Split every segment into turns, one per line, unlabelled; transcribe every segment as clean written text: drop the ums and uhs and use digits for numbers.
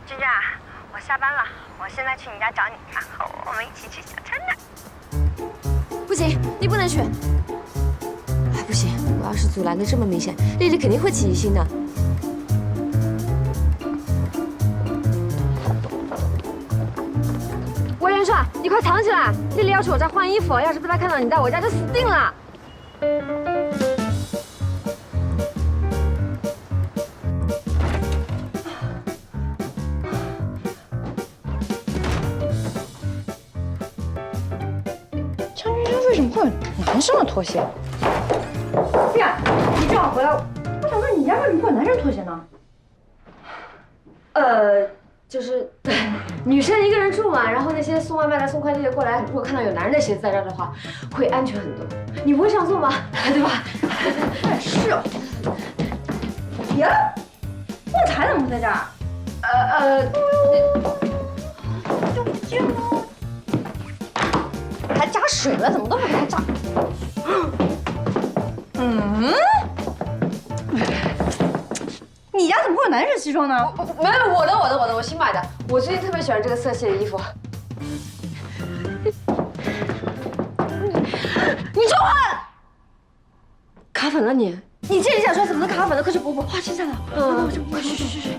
君君啊，我下班了，我现在去你家找你，然后我们一起去小城呢。
不行，你不能去。哎，不行，我要是阻拦的这么明显，丽丽肯定会起疑心的。魏元帅，你快藏起来！丽丽要去我家换衣服，要是被她看到你在我家，就死定了。
张君山为什么会有男生的拖鞋？对呀，你正好回来，我想问你家为什么会有男生拖鞋呢？
就是女生一个人住嘛，然后那些送外卖的、送快递的过来，如果看到有男人的鞋子在这儿的话，会安全很多。你不会上错吗？对吧？
是哦。别了，旺财怎么会在这儿？还加水了，怎么都没给它炸？你家怎么会有男生西装呢？
没有，我的，我新买的。我最近特别喜欢这个色系的衣服。你说话！卡粉了你？你这一下穿怎么能卡粉了？快去补补，花青上了。快去。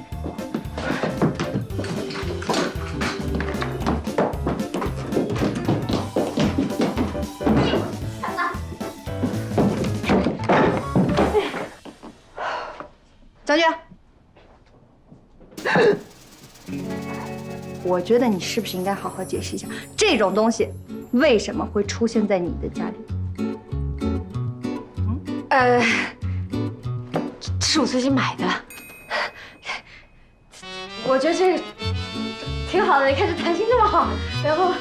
将军，我觉得你是不是应该好好解释一下，这种东西为什么会出现在你的家里？
这是我最近买的。我觉得这个挺好的，你看这弹性这么好，然后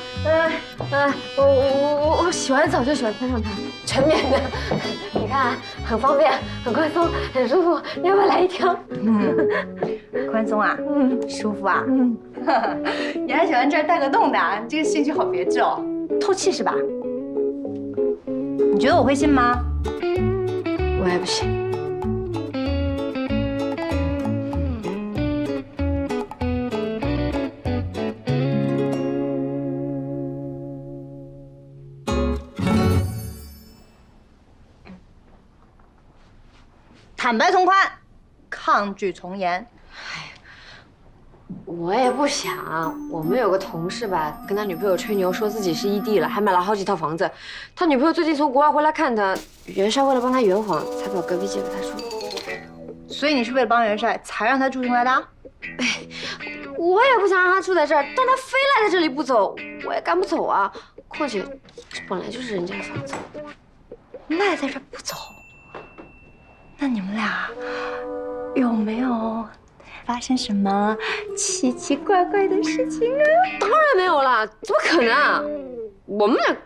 我洗完澡就喜欢穿上它，纯棉的，你看很方便，很宽松，很舒服。你要不要来一条？
宽松啊，舒服啊，你还喜欢这儿带个洞的啊？这个兴趣好别致哦，透气是吧？你觉得我会信吗？
我也不信。
坦白从宽，抗拒从严。
我也不想。我们有个同事吧，跟他女朋友吹牛，说自己是异地了，还买了好几套房子。他女朋友最近从国外回来看他，元帅为了帮他圆谎，才把隔壁借给他住。
所以你是为了帮元帅才让他住进来的？
我也不想让他住在这儿，但他非赖在这里不走，我也赶不走啊。况且这本来就是人家的房子。
赖在这儿不走，那你们俩有没有发生什么奇奇怪怪的事情啊？
当然没有啦，怎么可能啊？我们俩。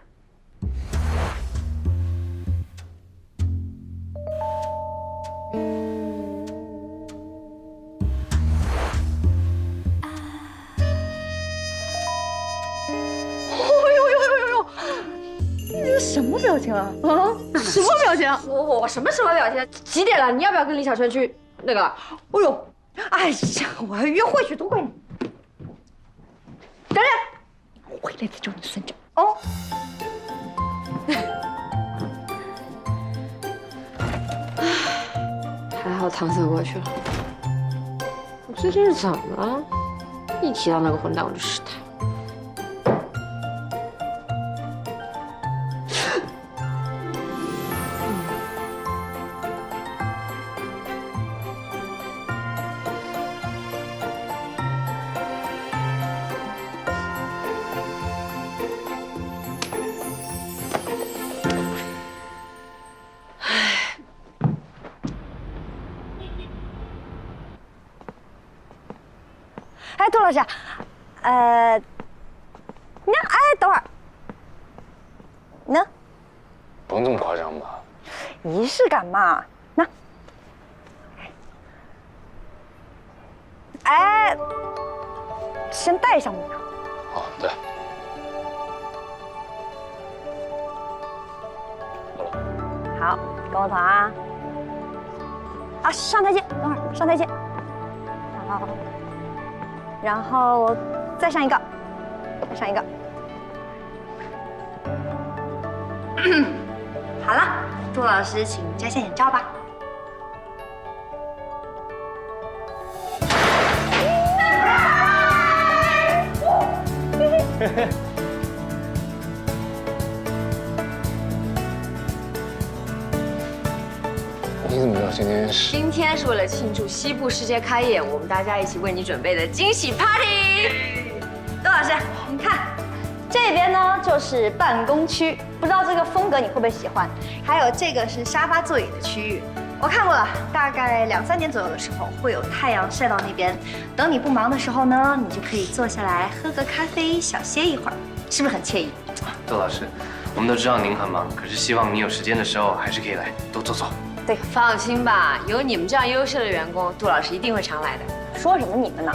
你这什么表情啊？啊，什么表情？
我什么表情？几点了？你要不要跟李小春去那个？
哎呦，哎呀，我要约会去，都怪你！等等，我回来再找你算账哦。
还好搪塞过去了。我最近是怎么了？一提到那个混蛋我就失态。
哎，杜老师，你看，哎，等会儿，呢？
不用这么夸张吧？
仪式感嘛，那，哎，先戴上吧。
哦，对。
好，跟我走啊！啊，上台阶，等会儿上台阶。好。 然后再上一个，再上一个。好了，杜老师，请摘下眼罩吧。
你怎么知道今天是？
今天是为了庆祝西部世界开业，我们大家一起为你准备的惊喜 party。
杜老师，你看，这边呢就是办公区，不知道这个风格你会不会喜欢？还有这个是沙发座椅的区域，我看过了，大概2、3点左右的时候会有太阳晒到那边。等你不忙的时候呢，你就可以坐下来喝个咖啡，小歇一会儿，是不是很惬意？
杜老师，我们都知道您很忙，可是希望你有时间的时候还是可以来多坐坐。
对，放心吧，有你们这样优秀的员工，杜老师一定会常来的。
说什么你们呢？